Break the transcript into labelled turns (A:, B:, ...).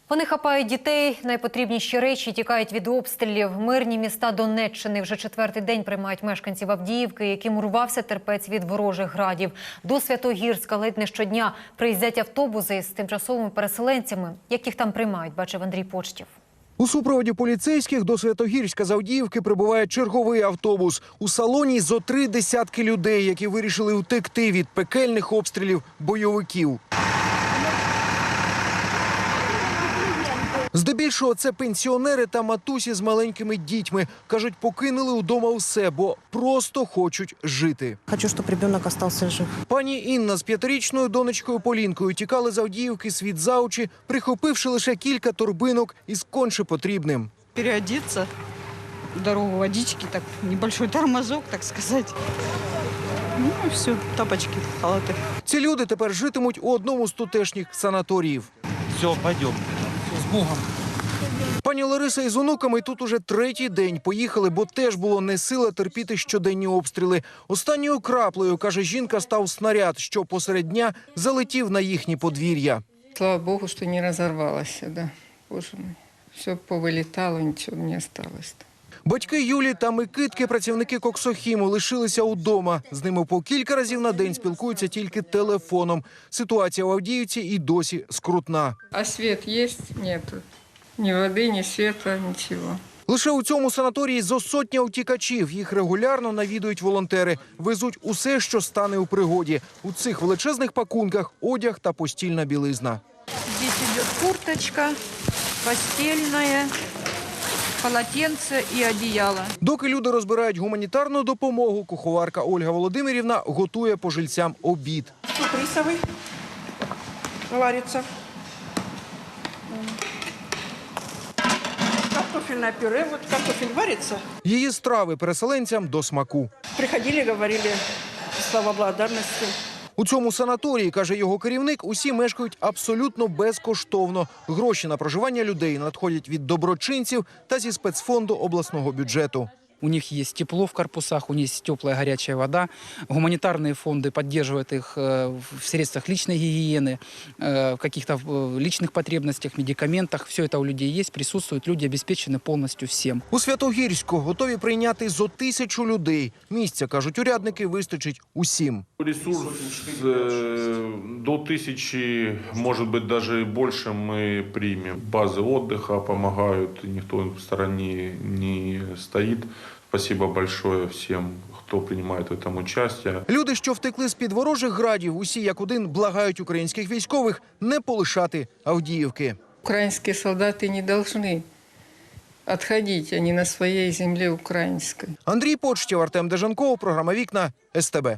A: Вони хапають дітей, найпотрібніші речі, тікають від обстрілів. Мирні міста Донеччини вже четвертий день приймають мешканців Авдіївки, яким урвався терпець від ворожих градів. До Святогірська ледь не щодня приїздять автобуси з тимчасовими переселенцями. Як їх там приймають, бачив Андрій Почтів.
B: У супроводі поліцейських до Святогірська з Авдіївки прибуває черговий автобус. У салоні зо 3 десятки людей, які вирішили утекти від пекельних обстрілів бойовиків. Здебільшого це пенсіонери та матусі з маленькими дітьми. Кажуть, покинули вдома все, бо просто хочуть жити.
C: Хочу, щоб дитина залишився жив.
B: Пані Інна з 5-річною донечкою Полінкою тікали з Авдіївки світ за очі, прихопивши лише кілька торбинок із конче потрібним.
D: Переодеться, дорогу водички, так небольшой тормозок, так сказати. Ну і все, тапочки, халати.
B: Ці люди тепер житимуть у одному з тутешніх санаторіїв.
E: Все, пойдем. З Богом.
B: Пані Лариса із онуками тут уже третій день поїхали, бо теж було не сила терпіти щоденні обстріли. Останньою краплею, каже жінка, став снаряд, що посеред дня залетів на їхні подвір'я.
F: Слава Богу, що не розірвалося, да. Боже мій. Все повилітало, нічого не залишилось.
B: Батьки Юлі та Микитки, працівники Коксохіму, лишилися удома. З ними по кілька разів на день спілкуються тільки телефоном. Ситуація в Авдіївці і досі скрутна.
F: А світ є? Нету. Ні води, ні світла, нічого.
B: Лише у цьому санаторії зо сотня утікачів. Їх регулярно навідують волонтери. Везуть усе, що стане у пригоді. У цих величезних пакунках одяг та постільна білизна.
G: Здесь идет курточка, постельная, полотенце и одеяло.
B: Доки люди розбирають гуманітарну допомогу, куховарка Ольга Володимирівна готує пожильцям обід.
G: Суп рисовый варится. Картофельное пюре. Вот картофель варится.
B: Її страви переселенцям до смаку.
G: Приходили, говорили слова благодарности.
B: У цьому санаторії, каже його керівник, усі мешкають абсолютно безкоштовно. Гроші на проживання людей надходять від доброчинців та зі спецфонду обласного бюджету.
H: У них есть тепло в корпусах, у них есть теплая горячая вода. Гуманитарные фонды поддерживают их в средствах личной гигиены, в каких-то личных потребностях, медикаментах. Все это у людей есть, присутствует, люди обеспечены полностью всем.
B: У Святогірську готові прийняти зо 1000 людей. Місця, кажуть урядники, вистачить усім.
I: Ресурс до 1000, может быть, даже и больше мы примем. Базы отдыха помогают, никто в стороне не стоит. Спасибо большое всем, хто приймає в цьому участь.
B: Люди, що втекли з-під ворожих градів, усі як один благають українських військових не полишати Авдіївки.
F: Українські солдати не повинні відходити, вони на своїй землі українській.
B: Андрій Почтів, Артем Дежанков, програма «Вікна», СТБ.